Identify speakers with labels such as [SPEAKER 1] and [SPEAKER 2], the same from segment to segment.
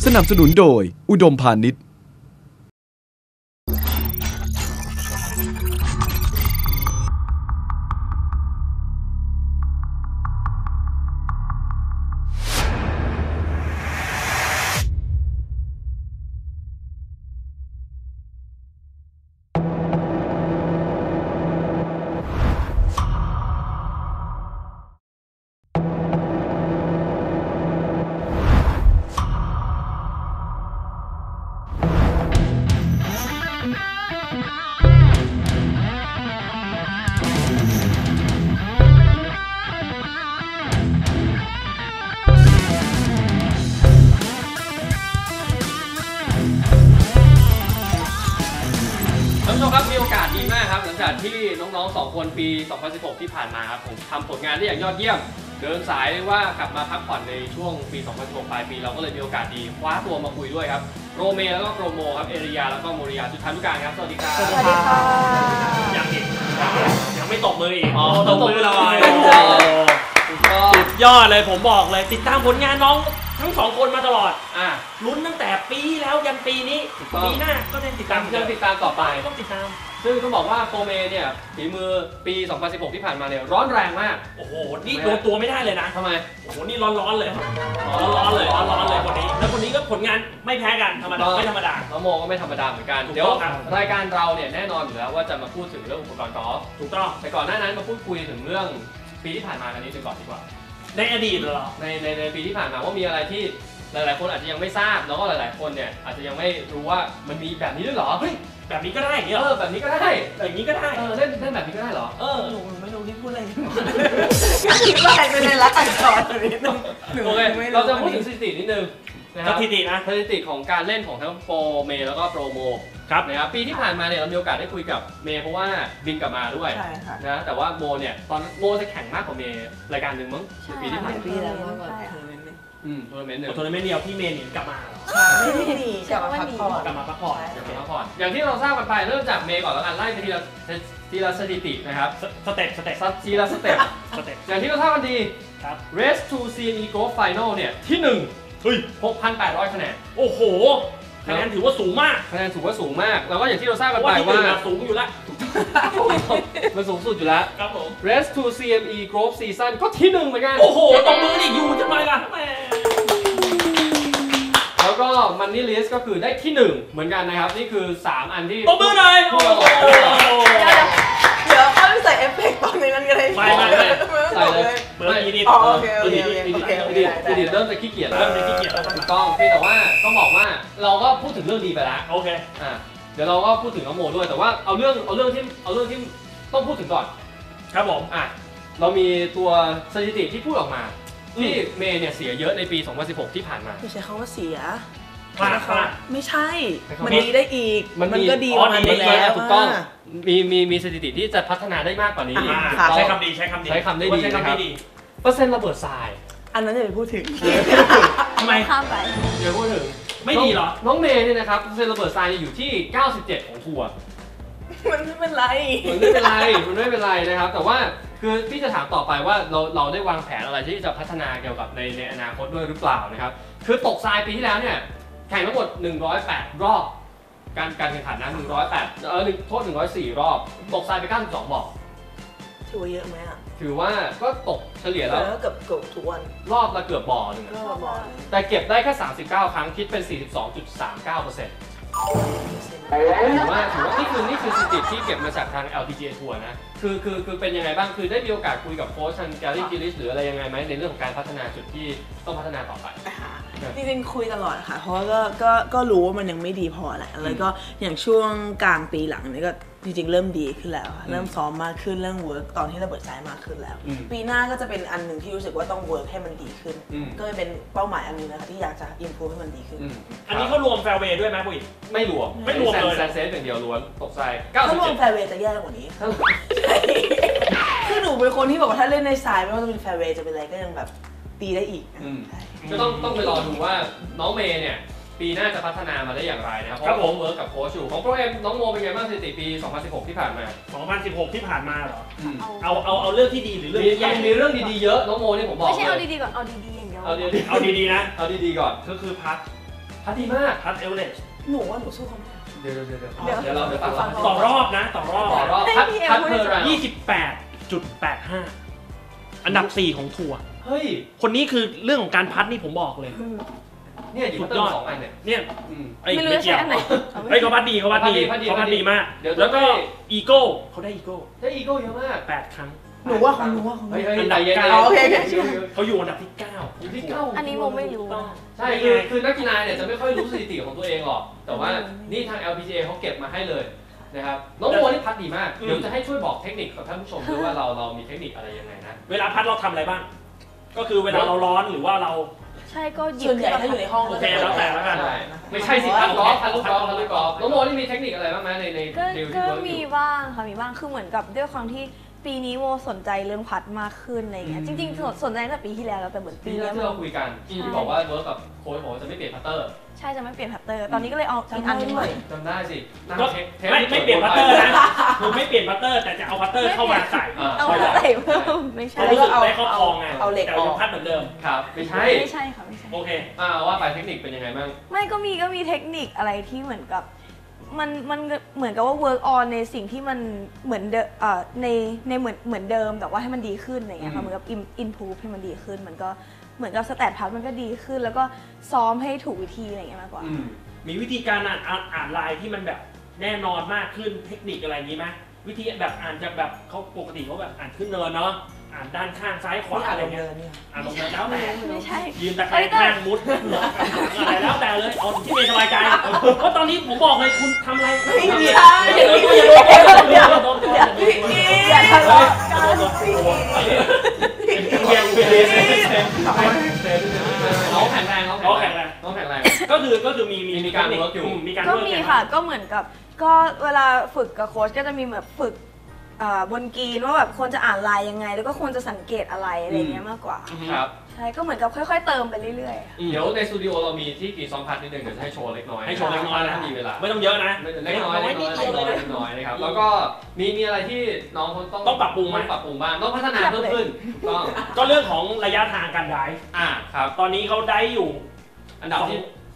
[SPEAKER 1] สนับสนุนโดยอุดมพาณิชย์
[SPEAKER 2] มีโอกาสดีมากครับหลังจากที่น้องๆ2คนปี 2016 ที่ผ่านมาครับผมทำผลงานได้อย่างยอดเยี่ยมเดินสายว่ากลับมาพักผ่อนในช่วงปี 2016 ปลายปีเราก็เลยมีโอกาสดีคว้าตัวมาคุยด้วยครับโรเมแล้วก็โปรโมครับเอริยาแล้วก็โมริยาจุฑานุการครับสวัสดีครับ
[SPEAKER 3] สวัสดีค่ะ
[SPEAKER 4] ยังไม่ตบมืออีก
[SPEAKER 2] ตบมือเลย
[SPEAKER 4] สุดยอดเลยผมบอกเลยติดตามผลงานน้องทั้ง2คนมาตลอดลุ้นตั้งแต่ปีแล้วยันปีนี้ปีหน้าก็จะติดตาม
[SPEAKER 2] ต่อไป
[SPEAKER 4] ต้องติดตาม
[SPEAKER 2] ซึ่งต้องบอกว่าโปรเมเนี่ยฝีมือปี 2016 ที่ผ่านมาเนี่ยร้อนแรงมาก
[SPEAKER 4] โอ้โหนี่โดนตัวไม่ได้เลยนะ
[SPEAKER 2] ทำไม
[SPEAKER 4] โอ้โหนี่ร้อนเลยร้อนเลยคนนี้แล้วคนนี้ก็ผลงานไม่แพ้กันธรรมดาไม่ธรรมดา
[SPEAKER 2] น้องโมก็ไม่ธรรมดาเหมือนกันเดี๋ยวรายการเราเนี่ยแน่นอนอยู่แล้วว่าจะมาพูดถึงเรื่องอุปกรณ์กอล์ฟ
[SPEAKER 4] ถูกต้อง
[SPEAKER 2] แต่ก่อนหน้านั้นมาพูดคุยถึงเรื่องปีที่ผ่านมากันนี้ก่อนดีกว่า
[SPEAKER 4] ในอดีตเหรอ
[SPEAKER 2] ในปีที่ผ่านมาว่ามีอะไรที่หลายๆคนอาจจะยังไม่ทราบแล้วก็หลายๆคนเนี่ยอาจจะยังไม่รู้ว่ามันมีแบบนี้ด้วยเหรอ
[SPEAKER 4] เฮ้ยแบบนี้ก็ได้เหร
[SPEAKER 2] อแบบนี้ก็ได้
[SPEAKER 4] อย่างนี้ก็ได้
[SPEAKER 2] เล่นแบบนี้ก็ได้เหรอ
[SPEAKER 4] หนูไม่รู้ที่พูดอะไร
[SPEAKER 3] คิดว่าใครเป็นในรักอักษรนิดนึง
[SPEAKER 2] โอเคเราจะพูดถึงสถิตินิดนึง
[SPEAKER 4] สถิตินะ
[SPEAKER 2] สถิติของการเล่นของทั้งโปรเมย์แล้วก็โปรโม
[SPEAKER 4] ครับ
[SPEAKER 2] นะครับปีที่ผ่านมาเนี่ยเรามีโอกาสได้คุยกับเมย์เพราะว่าบินกลับมาด้วยนะแต่ว่าโมเนี่ยตอนโมจะแข่งมากกว่าเมย์รายการหนึ่งมั้งปีที่ผ่านมาทัวร์นาเมนต์หนึ่ง
[SPEAKER 4] เดียวพี่เมย์หนีกลับมา
[SPEAKER 3] ไม่หนีกลับมาพักผ่อน
[SPEAKER 2] อย่างที่เราทราบกันไปเริ่มจากเมย์ก่อนแล้วกันไล่ไปทีละสถิตินะครับ
[SPEAKER 4] สเต็ป
[SPEAKER 2] ทีละสเต็ปอย่างที่เราทราบกันดี Race to CME Golf Final เนี่ยที่6,800 คะแนน
[SPEAKER 4] โอ้โหคะแนนถือว่าสูงมาก
[SPEAKER 2] แล้วก็อย่างที่เราทราบกันไปว่า
[SPEAKER 4] สูงอยู่แล้ว
[SPEAKER 2] มันสูงสุดอยู่แล้ว
[SPEAKER 4] ครับผม
[SPEAKER 2] Race to CME Golf Season ก็ที่1เหมือนกัน
[SPEAKER 4] โอ้โหตบมือดิอยู่ทำไมล่ะ
[SPEAKER 2] แล้วก็มันนี่ลิสก็คือได้ที่1เหมือนกันนะครับนี่คือ3อันที่
[SPEAKER 4] ตบมือหน่อย
[SPEAKER 3] เดี๋ยวเขาใส่เอฟเฟกต์ตอนนี้นั่นก็ได้
[SPEAKER 4] ไม่
[SPEAKER 2] ใส่เลย
[SPEAKER 4] เบอร์อีดิท
[SPEAKER 2] เริ่มจะขี้เกียจถูกต้องแต่ว่าต้องบอกว่าเราก็พูดถึงเรื่องดีไปแล้ว
[SPEAKER 4] โอเค
[SPEAKER 2] เดี๋ยวเราก็พูดถึงน้องโมด้วยแต่ว่าเอาเรื่องที่ต้องพูดถึงก่อน
[SPEAKER 4] ครับผม
[SPEAKER 2] เรามีตัวสถิติที่พูดออกมาที่เมย์เนี่ยเสียเยอะในปี 2016 ที่ผ่านมา
[SPEAKER 3] ไม่ใช่คำว่าเสียไม่ใช่มันดีได้อีกมันก็ดีกว่านั้นแล้ว
[SPEAKER 2] ถูกต้องมีสถิติที่จะพัฒนาได้มากกว่านี้
[SPEAKER 4] ใช้คำ
[SPEAKER 2] ได้ดีนะครับเปอร์เซ็นต์ระเบิดทราย
[SPEAKER 3] อันนั้นอย่าไปพูดถึง
[SPEAKER 4] ทำไม
[SPEAKER 3] ข้ามไป
[SPEAKER 2] อย่าพูดถึง
[SPEAKER 4] ไม่ดีหรอ
[SPEAKER 2] น้องเมย์เนี่ยนะครับเปอร์เซ็นต์ระเบิดทรายอยู่ที่97ของทัวร์
[SPEAKER 3] มันไม่เป็นไร
[SPEAKER 2] นะครับแต่ว่าคือพี่จะถามต่อไปว่าเราได้วางแผนอะไรที่จะพัฒนาเกี่ยวกับในอนาคตด้วยหรือเปล่านะครับคือตกทรายปีที่แล้วเนี่ยแข่งทั้งหมด108รอบการแข่งขันนะ104รอบตกทรายไป92บ่อ
[SPEAKER 3] ถือว่าเยอะไหม
[SPEAKER 2] ถือว่าก็ตกเฉลี่ยแล้ว
[SPEAKER 3] เกือบทุกวัน
[SPEAKER 2] รอบละเกือบบ่อนึงแต่เก็บได้แค่39ครั้งคิดเป็น 42.39%ถือว่านี่คือสถิติที่เก็บมาจากทาง LPGA ทัวร์นะคือเป็นยังไงบ้างคือได้มีโอกาสคุยกับโค้ชทางแกลลี่กิลิสหรืออะไรยังไงไหมในเรื่องของการพัฒนาจุดที่ต้องพัฒนาต่อไป
[SPEAKER 3] จริงๆคุยตลอดค่ะเพราะว่าก็รู้ว่ามันยังไม่ดีพอแหละแล้วก็อย่างช่วงกลางปีหลังนี่ก็จริงๆเริ่มดีขึ้นแล้วเริ่มซ้อมมากขึ้นเรื่องเวิร์กตอนที่ระเบิดทรายมากขึ้นแล้วปีหน้าก็จะเป็นอันหนึ่งที่รู้สึกว่าต้องเวิร์กให้มันดีขึ้นก็เป็นเป้าหมายอันนึงนะคะที่อยากจะอิมพูฟให้มันดีขึ้น
[SPEAKER 4] อันนี้เขารวมแฟร์เวย์ด้วยไหมปุ๊ย
[SPEAKER 2] ไม่รวมเลยแซนเซสอย่างเดียวล้วนตกทราย
[SPEAKER 3] ถ้ารวมแฟร์เวย์จะแย่กว่านี้คือหนูเป็นคนที่บอกว่าถ้าเล่นในทรายไม่ว่าจะเป็นแฟร์เวย์จะเป็นอะไรก็ยังแบบตีได้อีก
[SPEAKER 2] ก็ต้องไปรอดูว่าน้องเมย์เนี่ยปีหน้าจะพัฒนามาได้อย่างไรนะครับเพราะผมเวิร์กกับโค้ชอยู่ของโปรเอ็มน้องโมเป็นไงบ้างสถิติปี 2016 ที่ผ่านมา
[SPEAKER 4] 2016 ที่ผ่านมาเหรอเอาเรื่องที่ดีหรือเรื่องที่แย่
[SPEAKER 2] มีเรื่องดีๆเยอะน้องโมนี่ผมบอก
[SPEAKER 3] ไม่ใช่เอาดีๆก่อนเอาดีๆอย่างเดียว
[SPEAKER 4] เอาดีๆนะ
[SPEAKER 2] เอาดีๆก่อน
[SPEAKER 4] ก็คือพัด
[SPEAKER 2] พัดดีมาก
[SPEAKER 4] พัดเอเวอเรสต์
[SPEAKER 3] หนูว่าหนูสู้เขาไม่ได้
[SPEAKER 2] เดี๋ยวเราฟัง
[SPEAKER 4] ต่อรอบนะต่อรอบ
[SPEAKER 2] พัดเพอร์รา
[SPEAKER 4] 28.85 อันดับ 4 ของทัวร์
[SPEAKER 2] เฮ้ย
[SPEAKER 4] คนนี้คือเรื่องของการพัดนี่ผมบอกเลย
[SPEAKER 2] เนี่ยอยู่ต้น2อันเนี่ย
[SPEAKER 4] เนี่ยไอ้
[SPEAKER 3] ไม่รู้
[SPEAKER 4] ไม่
[SPEAKER 3] จะ
[SPEAKER 4] เกี่
[SPEAKER 3] ใช้
[SPEAKER 4] ยว
[SPEAKER 3] อันไหน
[SPEAKER 4] ไอ้เขาพัดดีเขาพัดดีมาก แล้วก็อีโก้เขาได้อีโก้
[SPEAKER 2] ได้อีโก้เยอะมาก
[SPEAKER 4] 8 ครั้ง
[SPEAKER 3] หนูว่าเขา
[SPEAKER 2] เฮ้ย
[SPEAKER 4] อันดับ
[SPEAKER 3] โอเค
[SPEAKER 4] เขาอยู่อันดับที่
[SPEAKER 2] อยู่ที่
[SPEAKER 5] อันนี้โมไม่รู้
[SPEAKER 2] 9ใช่คือนักกีฬาเนี่ยจะไม่ค่อยรู้สถิติของตัวเองหรอกแต่ว่านี่ทาง LPGA เขาเก็บมาให้เลยนะครับน้องโมนี่พัดดีมากเดี๋ยวจะให้ช่วยบอกเทคนิคกับท่านผู้ชมด้วยว่าเรามีเทคนิคอะไรยังไงนะ
[SPEAKER 4] เวลาพัดเราทำอะไรบ้าง ก็คือเวลาเราร้อนหรือว่าเรา
[SPEAKER 5] ใช่ก็หยิบ
[SPEAKER 3] ส่วนใหญ่ถ้าอยู่ในห้อง
[SPEAKER 4] โอเคแล้วแต่แล้วกัน
[SPEAKER 2] ไม่ใช่สิพัดกอล์ฟพัดลูกกอล์ฟน้องโมนี่มีเทคนิคอะไรบ้างไหมใน
[SPEAKER 5] ก็
[SPEAKER 2] ดิวที่
[SPEAKER 5] ก็
[SPEAKER 2] เวิร์กอ
[SPEAKER 5] มี
[SPEAKER 2] ยู่
[SPEAKER 5] บ้างค่ะมีบ้างคือเหมือนกับด้วยความที่ปีนี้โมสนใจเรื่องพัดมากขึ้นอะไรเงี้ยจริงๆสนใจตั้งแต่ปีที่แล้วแต่เหมือนปี
[SPEAKER 2] ที่
[SPEAKER 5] นี้
[SPEAKER 2] เราคุยกันที่บอกว่าเวิร์กกับโค้ชบอกว่าจะไม่เปลี่ยนพัตเตอร์
[SPEAKER 5] ใช่จะไม่เปลี่ยนพัตเตอร์ตอนนี้ก็เลยเอาอีกอันหนึงใหม่
[SPEAKER 2] จำได้สิ
[SPEAKER 4] ก็ไม่เปลี่ยนพัตเตอร์นะคือไม่เปลี่ยนพัตเตอร์แต่จะเอาพัตเตอร์เข้ามาใส่
[SPEAKER 5] เอามาใส่เพิ่มไม่ใช่
[SPEAKER 4] เขารู้สึกได้ครอบครองไง
[SPEAKER 3] เอาเหล็ก
[SPEAKER 4] แต่
[SPEAKER 3] ออ
[SPEAKER 4] ยัง
[SPEAKER 3] ก
[SPEAKER 4] พัดเหมือนเดิม
[SPEAKER 2] ครับไม่ใช่
[SPEAKER 5] ไม่ใช่ค่ะไม่ใช่
[SPEAKER 4] โอเค
[SPEAKER 2] ว่าไปเทคนิคเป็นยังไงบ้าง
[SPEAKER 5] ไม่ก็มีเทคนิคอะไรที่เหมือนกับมันเหมือนกับว่า work on ในสิ่งที่มันเหมือนในเหมือนเดิมแต่ว่าให้มันดีขึ้นอะไรเงี้ยค่ะเหมือนกับ improve ให้มันดีขึ้นมันก็เหมือนกับสแตทพัดมันก็ดีขึ้น แล้วก็ซ้อมให้ถูกวิธีอะไรเงี้ยมากกว่า
[SPEAKER 4] มีวิธีการอ่านลายที่มันแบบแน่นอนมากขึ้นเทคนิคอะไรอย่างนี้ไหมวิธีแบบอ่านจากแบบเขาปกติเขาแบบอ่านขึ้นเนินเนาะอ่านด้านข้างซ้ายขวาอะไรเงี้ยอ่านลงเนินแล้วแต่
[SPEAKER 5] ไม่ใช่
[SPEAKER 4] ยืนตะแคงข้างมุดอะไรแล้วแต่เลยเอาที่เมย์สบายใจเพราะตอนนี้ผมบอกเลยคุณทำอะไรไม่ใช่อย่าโดนตัว
[SPEAKER 5] อย่าทะเลาะกัน
[SPEAKER 2] น้องแข็งแรง ก็คือมีการเวิร์กอยู่
[SPEAKER 5] ก็มีค่ะก็เหมือนกับก็เวลาฝึกกับโค้ชก็จะมีแบบฝึกบนกรีนว่าแบบควรจะอ่านลายยังไง แล้วก็ควรจะสังเกตอะไรอะไรเงี้ยมากกว่า
[SPEAKER 2] ครับ
[SPEAKER 5] ใช่ก็เหมือนกับค่อยๆเติมไปเรื่อยๆ
[SPEAKER 2] เดี๋ยวในสตูดิโอเรามีที่กีซ้อมพัดนิดนึงเดี๋ยวจะให้โชว์เล็กน้อย
[SPEAKER 4] ให้โชว์เล็กน้อยนะ
[SPEAKER 2] ถ้ามีเวลา
[SPEAKER 4] ไม่ต้องเยอะนะ
[SPEAKER 2] เล็กน้อยนะครับแล้วก็มีอะไรที่น้องต้องปรับปรุงบ้างต้องพัฒนาเพิ่มขึ้น
[SPEAKER 4] ก็เรื่องของระยะทางการได้
[SPEAKER 2] ครับ
[SPEAKER 4] ตอนนี้เขาได้อยู่
[SPEAKER 2] อันดับ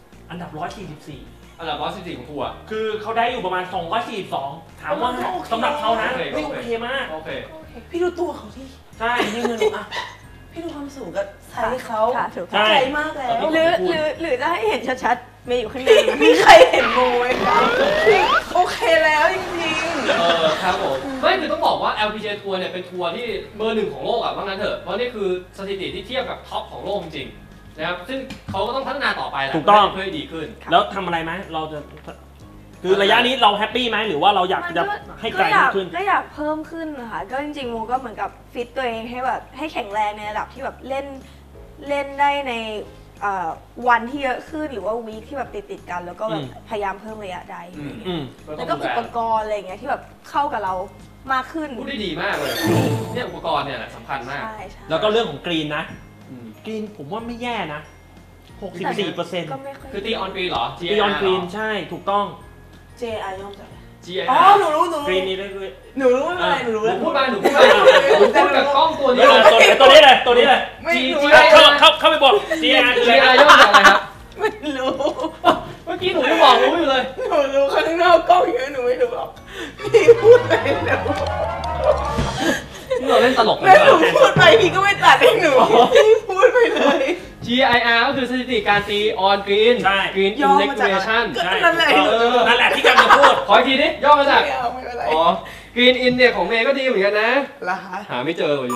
[SPEAKER 4] 144
[SPEAKER 2] อันดับ114ของทัวร์
[SPEAKER 4] คือเขาได้อยู่ประมาณ242ถามว่าสำหรับเขานะไม่โอเคมาก
[SPEAKER 2] โอเค
[SPEAKER 3] พี่ดูตัวเขาที่
[SPEAKER 4] ใช่
[SPEAKER 3] ยืนหนูอ่ะพี่ดูความสูงกับไซส์เขา
[SPEAKER 5] ค่ะถูก
[SPEAKER 4] ใช่
[SPEAKER 3] ไกลมากแล้ว
[SPEAKER 5] หรือจะให้เห็นชัดๆเมย์อยู่ข้างใน
[SPEAKER 3] มีใครเห็นโมไหมคะโอเคแล้วจริง
[SPEAKER 2] ครับผมไม่คือต้องบอกว่า LPGA ทัวร์เนี่ยเป็นทัวร์ที่เบอร์ 1ของโลกอ่ะว่างั้นเถอะเพราะนี่คือสถิติที่เทียบกับท็อปของโลกจริงนะครับซึ่งเขาก็ต้องพัฒนาต่อไปแหละเพื่อให้ดีขึ้น
[SPEAKER 4] แล้วทำอะไรไหมเราจะคือระยะนี้เราแฮปปี้ไหมหรือว่าเราอยากจะให้ไกลมากขึ้น
[SPEAKER 5] ก็อยากเพิ่มขึ้นนะคะก็จริงๆโมก็เหมือนกับฟิตตัวเองให้แบบให้แข็งแรงในระดับที่แบบเล่นได้ในวันที่เยอะขึ้นหรือว่าวีคที่แบบติดกันแล้วก็แบบพยายามเพิ่มระยะได้แล้วก็อุปกรณ์อะไรอย่างเงี้ยที่แบบเข้ากับเรามากขึ้น
[SPEAKER 2] พูดได้ดีมากเลยเนี่ยอุปกรณ์เนี่ยแหละสำคัญมาก
[SPEAKER 4] แล้วก็เรื่องของกรีนนะกรีนผมว่าไม่แย่นะ 64%
[SPEAKER 5] ก็ไม่ค่อย
[SPEAKER 2] คือตีออนกรีนเหรอ
[SPEAKER 4] ตีออนกรีนใช่ถูกต้อง
[SPEAKER 3] JI ย่อมจากอะไร
[SPEAKER 2] GIR
[SPEAKER 3] อ๋อหนูรู้
[SPEAKER 4] กรีนนี้ได้ด้วย
[SPEAKER 3] หนูรู้อะไรหนูรู้
[SPEAKER 2] พูดมาพูดกับกล้องตัวนี้
[SPEAKER 4] ตัวนี้เลย
[SPEAKER 3] ไม่รู้
[SPEAKER 4] เข้าไปบอก GIR คืออะไร
[SPEAKER 2] ย่อจากอะไรครับ
[SPEAKER 3] ไม่รู้
[SPEAKER 2] เมื่อกี้หนูยังบอกรู้อยู่เลย
[SPEAKER 3] หนูรู้ข้างนอกกล้องเยอะหนูไม่รู้หรอกพี่พูดไปเดี๋ยว
[SPEAKER 2] ที่เราเล่นตลกกัน
[SPEAKER 3] แม่หนูพูดไปพี่ก็ไม่ตัดให้หนูพี่พูดไปเลย
[SPEAKER 2] GIR ก็คือสถิติการตีออนกรีน Green Integration
[SPEAKER 3] นั่นแหละ
[SPEAKER 4] นั่นแหละที่กำลังจะพูด
[SPEAKER 2] ขออีกทีดิย่อมาจาก
[SPEAKER 3] ไม่เป็นไร
[SPEAKER 2] อ๋อ Green In เนี่ยของเมย์ก็ดีเหมือนกันนะ
[SPEAKER 3] ละฮะ
[SPEAKER 2] หาไม่เจออยู่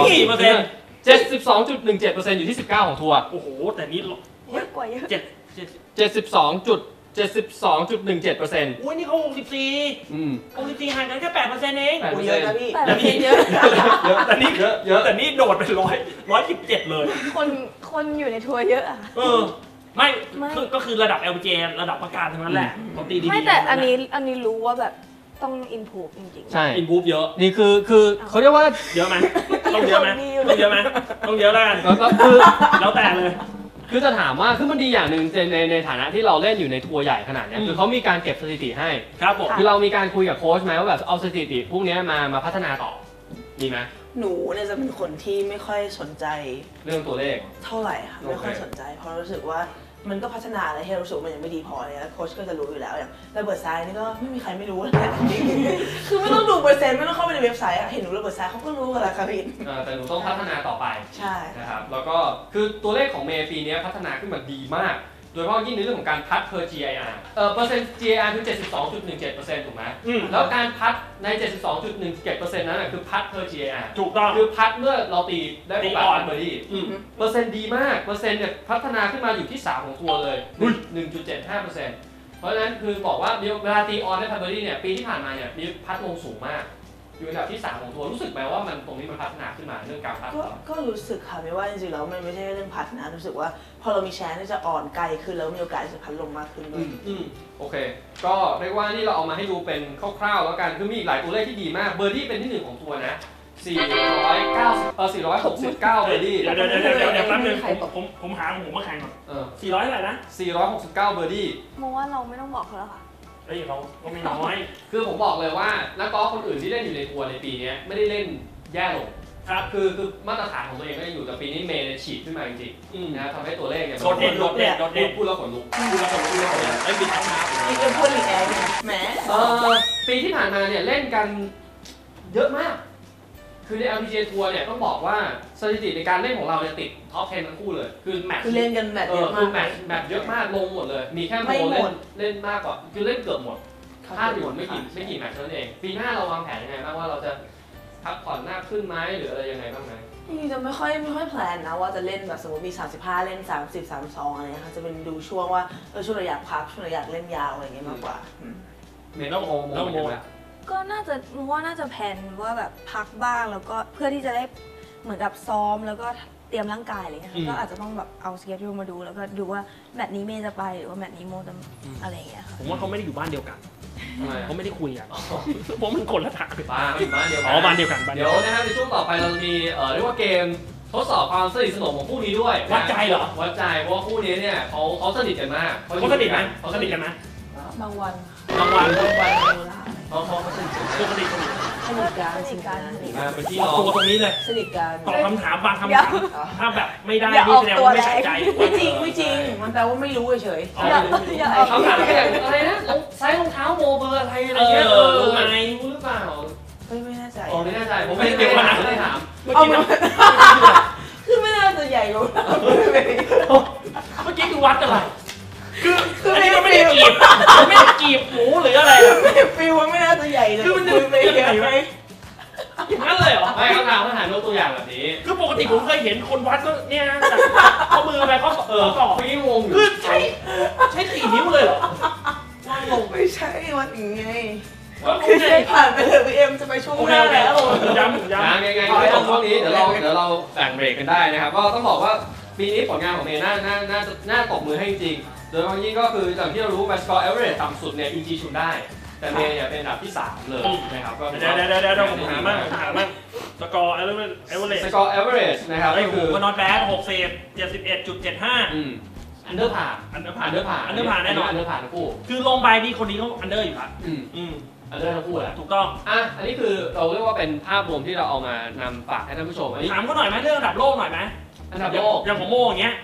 [SPEAKER 4] 4%
[SPEAKER 2] 72.17% อยู่ที่19ของทัวร์
[SPEAKER 4] โอ้โหแต่นี่
[SPEAKER 5] เยอะกว่าเยอะ
[SPEAKER 2] 72.17%
[SPEAKER 4] อุ้ยนี่เขา64ห่างกันแค่ 8% เอง
[SPEAKER 3] เยอะนะพี่
[SPEAKER 5] แต่ไม่เยอะ
[SPEAKER 4] แต่นี่โดดไป117เลย
[SPEAKER 5] คนอยู่ในทัวร์เยอะอะ
[SPEAKER 4] ไม่ก็คือระดับ LPGA ระดับประกาศทั้งนั้นแหละเขาตีดีๆ
[SPEAKER 5] ไม่แต่อันนี้รู้ว่าแบบต้อง improve จริงๆ
[SPEAKER 2] ใช่
[SPEAKER 4] อินพูฟเยอะ
[SPEAKER 2] นี่คือเขาเรียกว่า
[SPEAKER 4] เยอะไหมต้องเยอะไหมต้องเยอะไหมต้องเยอะแล้วกัน
[SPEAKER 2] ก็คือ
[SPEAKER 4] แล้วแต่เลย
[SPEAKER 2] คือจะถามว่าคือมันดีอย่างหนึ่งในฐานะที่เราเล่นอยู่ในทัวร์ใหญ่ขนาดนี้คือเขามีการเก็บสถิติให้
[SPEAKER 4] ครับผม
[SPEAKER 2] คือเรามีการคุยกับโค้ชไหมว่าแบบเอาสถิติพวกนี้มาพัฒนาต่อมีไหม
[SPEAKER 3] หนูเนี่ยจะเป็นคนที่ไม่ค่อยสนใจ
[SPEAKER 2] เรื่องตัวเลข
[SPEAKER 3] เท่าไหร่ค่ะไม่ค่อยสนใจเพราะรู้สึกว่ามันก็พัฒนาอะไรให้รู้สึกมันยังไม่ดีพอเลยแล้วโค้ชก็จะรู้อยู่แล้วอย่างระเบิดซ้ายนี่ก็ไม่มีใครไม่รู้เลยคือไม่ต้องดูเปอร์เซ็นต์ไม่ต้องเข้าไปในเว็บไซต์เห็นหนูระเบิดซ้ายเขาก็รู้กันแล้วค่ะพี่
[SPEAKER 2] แต่หนูต้องพัฒนาต่อไป
[SPEAKER 3] ใช่
[SPEAKER 2] นะครับแล้วก็คือตัวเลขของเมย์ปีนี้พัฒนาขึ้นมาดีมากโดยเฉพาะยิ่งในเรื่องของการพัด per GIR เปอร์เซ็นต์ GIR คือ 72.17% ถูกไหมแล้วการพัดใน 72.17% นั้นคือพัด per GIR
[SPEAKER 4] ถูกต้อง
[SPEAKER 2] คือพัดเมื่อเราตีได้โอกาสเบอร์ดี้เปอร์เซ็นต์ดีมากเปอร์เซ็นต์เนี่ยพัฒนาขึ้นมาอยู่ที่3ของตัวเลย 1.75% เพราะฉะนั้นคือบอกว่าเวลาตีออนได้พัดเบอร์ดี้เนี่ยปีที่ผ่านมาเนี่ยมีพัดลงสูงมากอยู่อันดับที่3ของทัวร์รู้สึกไหมว่ามันตรงนี้มันพัฒนาขึ้นมาเรื่องการพัด
[SPEAKER 3] ก็รู้สึกค่ะไม่ว่าจริงๆแล้วมันไม่ใช่เรื่องพัดนะรู้สึกว่าพอเรามีแชนที่จะอ่อนไกลขึ้นแล้วมีโอกาสจะพัดลงมากขึ้นด้วย
[SPEAKER 2] โอเคก็เรียกว่านี่เราเอามาให้ดูเป็นคร่าวๆแล้วกันคือมีอีกหลายตัวเลขที่ดีมากเบอร์ดี้เป็นที่1ของทัวร์นะ469เบอร์ดี้
[SPEAKER 4] เดี๋ยวแป๊บนึงผมหาผมมาแข่งก่อน400อะไรนะ
[SPEAKER 2] 469เบอร์ดี้
[SPEAKER 5] มองว่าเราไม่ต้องบอกเขาแล้วค่ะ
[SPEAKER 4] เขาก็ไม่น้อย
[SPEAKER 2] คือผมบอกเลยว่านักกอล์ฟคนอื่นที่เล่นอยู่ในทัวร์ในปีนี้ไม่ได้เล่นแย่ลงครับคือมาตรฐานของตัวเองก็ยังอยู่แต่ปีนี้เมย์ฉีดขึ้นมาจริงๆนะทำให้ตัวเลขเนี่ย
[SPEAKER 4] โดดเด่น
[SPEAKER 2] พูดแล้วขนลุก
[SPEAKER 4] ไอ้บิดเอาน้ำ
[SPEAKER 3] นี่เป็นพูดอีกแอนแหม
[SPEAKER 2] ปีที่ผ่านมาเนี่ยเล่นกันเยอะมากคือใน LPGA ทัวร์เนี่ยต้องบอกว่าสถิติในการเล่นของเราเนี่ยติดท็อป 10 ทั้งคู่เลยคือแมตช์
[SPEAKER 3] เล่นกันแมตช์เยอะมาก
[SPEAKER 2] แมตช์เยอะมากลงหมดเลยมีแค่โมเล่นมากกว่าคือเล่นเกือบหมดถ้าอยู่ไม่กี่แมตช์เท่านั้นเองปีหน้าเราวางแผนยังไงบ้างว่าเราจะพักผ่อนหน้าขึ้นไหมหรืออะไรยังไงบ้างไหม
[SPEAKER 3] นี่จะไม่ค่อยแพลนนะว่าจะเล่นแบบสมมติมี35เล่น30 32อะไรค่ะจะเป็นดูช่วงว่าช่วงเราอยากพักช่วงเราอยากเล่นยาวอะไรอย่างเงี้ยมากกว่า
[SPEAKER 2] เมย์ต้องโม
[SPEAKER 5] ก็น่าจะแผนว่าแบบพักบ้างแล้วก็เพื่อที่จะได้เหมือนกับซ้อมแล้วก็เตรียมร่างกายอะไรเงี้ยก็อาจจะต้องแบบเอาสเกจดูมาดูแล้วก็ดูว่าแมตช์นี้เมย์จะไปหรือว่าแมตช์นี้โมจะอะไรเงี้ย
[SPEAKER 4] ผมว่าเขาไม่ได้อยู่บ้านเดียวกันเขาไม่ได้คุยกันเพราะมันกดละถัก
[SPEAKER 2] บ้านเดียวกัน
[SPEAKER 4] บ้านเดียวกัน
[SPEAKER 2] เดี๋ยวนะครับในช่วงต่อไปเรามีเรียกว่าเกมทดสอบความสนิทสนมของคู่นี้ด้วย
[SPEAKER 4] วัดใจเหรอ
[SPEAKER 2] วัดใจเพราะว่าคู่นี้เนี่ยเขาสนิทกันมาก
[SPEAKER 4] เขาสนิทกันนะ
[SPEAKER 3] บางวัน
[SPEAKER 2] เขาสนิทกัน
[SPEAKER 3] สนิทกัน
[SPEAKER 2] เป็นพี่น้อง
[SPEAKER 4] ตัวตรงนี้เลย
[SPEAKER 3] สนิทกัน
[SPEAKER 4] ตอบคำถามบางคำถามถ้าแบบไม่ได้นี่แสดงว่าไม่ใส่ใจ
[SPEAKER 3] ไม่จริงมันแปลว่าไม่รู้เฉย
[SPEAKER 2] คำถามแค่อะไรนะไซส์รองเท้าโมเบอร์อะไรอะไรเงี้ย
[SPEAKER 4] รู้ไหม
[SPEAKER 2] รู้หรือเปล่า
[SPEAKER 3] ไม่แน่ใจ
[SPEAKER 2] ไม่แน่ใจผมไม่ได้เกี่ยวกับไม่ได้ถาม
[SPEAKER 3] คือไม่น่าจะใหญ่กว่า
[SPEAKER 4] เมื่อกี้คือวัดอะไรคืออันนี้มันไม่ได้กีบหมูหรืออะไร
[SPEAKER 3] ฟิลไม่น่าจะใหญ่เลย
[SPEAKER 4] คือมันจะไปยังไงไหมอย่างนั้นเลยเหรอ
[SPEAKER 2] ไม่เขาถามยกตัวอย่างแบบนี้
[SPEAKER 4] คือปกติผมเคยเห็นคนวัดก็เนี่ยนะเขามือไปเขา
[SPEAKER 2] ต่อพี่งง
[SPEAKER 4] คือใช้4 นิ้วเลยเหรอ
[SPEAKER 3] งงไม่ใช่วัดอย่างไงคือใช้ผ่านไปเลยพี่เอ็มจะไปช่วงหน้าแล้ว
[SPEAKER 2] ย้ำไงช่วงนี้เดี๋ยวเราแบ่งเบรกกันได้นะครับก็ต้องบอกว่าปีนี้ผลงานของเมย์น่าตบมือให้จริงโดยบางยิ่งก็คืออย่างที่เรารู้ score average ต่ำสุดเนี่ยอินจีชุนได้แต่เมย์เนี่ยเป็นอันดับที่3เลยนะครับก็
[SPEAKER 4] เดี๋ยวผมหามั่งสกอร์
[SPEAKER 2] average นะครับ
[SPEAKER 4] ก็คือnot bad 71.75
[SPEAKER 2] อันเดอร์ผ่านแน่นอนอันเดอร์ผ่านทั้งคู่
[SPEAKER 4] คือลงไปนี่คนนี้เขาอันเดอร์อยู่ละ
[SPEAKER 2] อันเดอร์ทั้งคู่แหละ
[SPEAKER 4] ถูกต้อง
[SPEAKER 2] อันนี้คือเราเรียกว่าเป็นภาพรวมที่เราเอามานำฝากให้ท่านผู้ชม
[SPEAKER 4] ถามเขาหน่อยไหมเรื่องอันดับโลกหน่อยไหม
[SPEAKER 2] อันดับโลก
[SPEAKER 4] อย่างของโมอย่างเงี้ย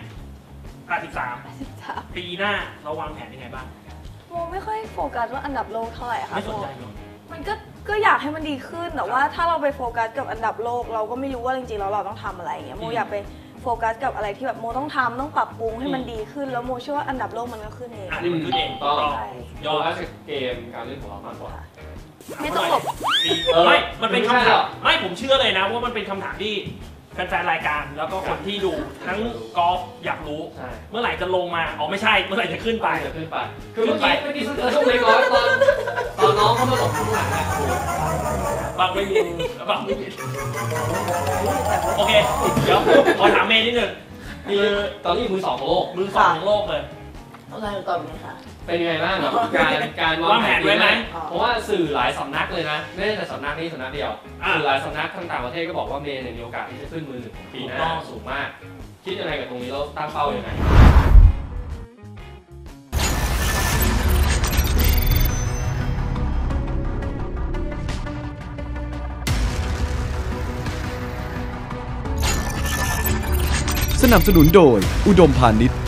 [SPEAKER 4] 83ปีหน้าเราวางแผนยังไงบ้าง
[SPEAKER 5] โมไม่ค่อยโฟกัสว่าอันดับโลกเท่าไหร่ค่ะ
[SPEAKER 4] ไม่สนใจ
[SPEAKER 5] มันก็อยากให้มันดีขึ้นแต่ว่าถ้าเราไปโฟกัสกับอันดับโลกเราก็ไม่รู้ว่าจริงๆแล้วเราต้องทำอะไรอย่างเงี้ยโมอยากไปโฟกัสกับอะไรที่แบบโมต้องทำต้องปรับปรุงให้มันดีขึ้นแล้วโมเชื่อว่าอันดับโลกมันก็ขึ้นเอง
[SPEAKER 4] นี่มันขึ้นเองต้อง
[SPEAKER 2] ยอมรับเกมการเล่นของเรามากกว่า
[SPEAKER 5] ไม่ต้องหลบ
[SPEAKER 4] ไม่มันเป็นคำถามไม่ผมเชื่อเลยนะว่ามันเป็นคำถามที่แฟนๆรายการแล้วก็คนที่ดูทั้งกอล์ฟอยากรู้เมื่อไหร่จะลงมาไม่ใช่เมื่อไหร่จะขึ้นไป
[SPEAKER 2] คือเมื่อกี้ช่วงเล็กน้อยตอนน้องเขามาหลบข้างหลัง
[SPEAKER 4] บางไม่มีโอเคเดี๋ยวขอถามเมย์นิดนึง
[SPEAKER 2] คือตอนนี้มือ2ของโลก
[SPEAKER 4] ของโลกเลย
[SPEAKER 3] อะไรก่อนเลยค่ะ
[SPEAKER 2] เป็นยังไงบ้างครับการวางแผนไว้ไหมเพราะว่าสื่อหลายสำนักเลยนะไม่ใช่แต่สำนักนี้สำนักเดียวสื่อหลายสำนักทั้งต่างประเทศก็บอกว่าเมย์มีโอกาสที่จะขึ้นมือ1ของปีหน้าสูงมากคิดยังไงกับตรงนี้แล้วตั้งเป้ายังไง
[SPEAKER 1] สนับสนุนโดยอุดมพาณิชย์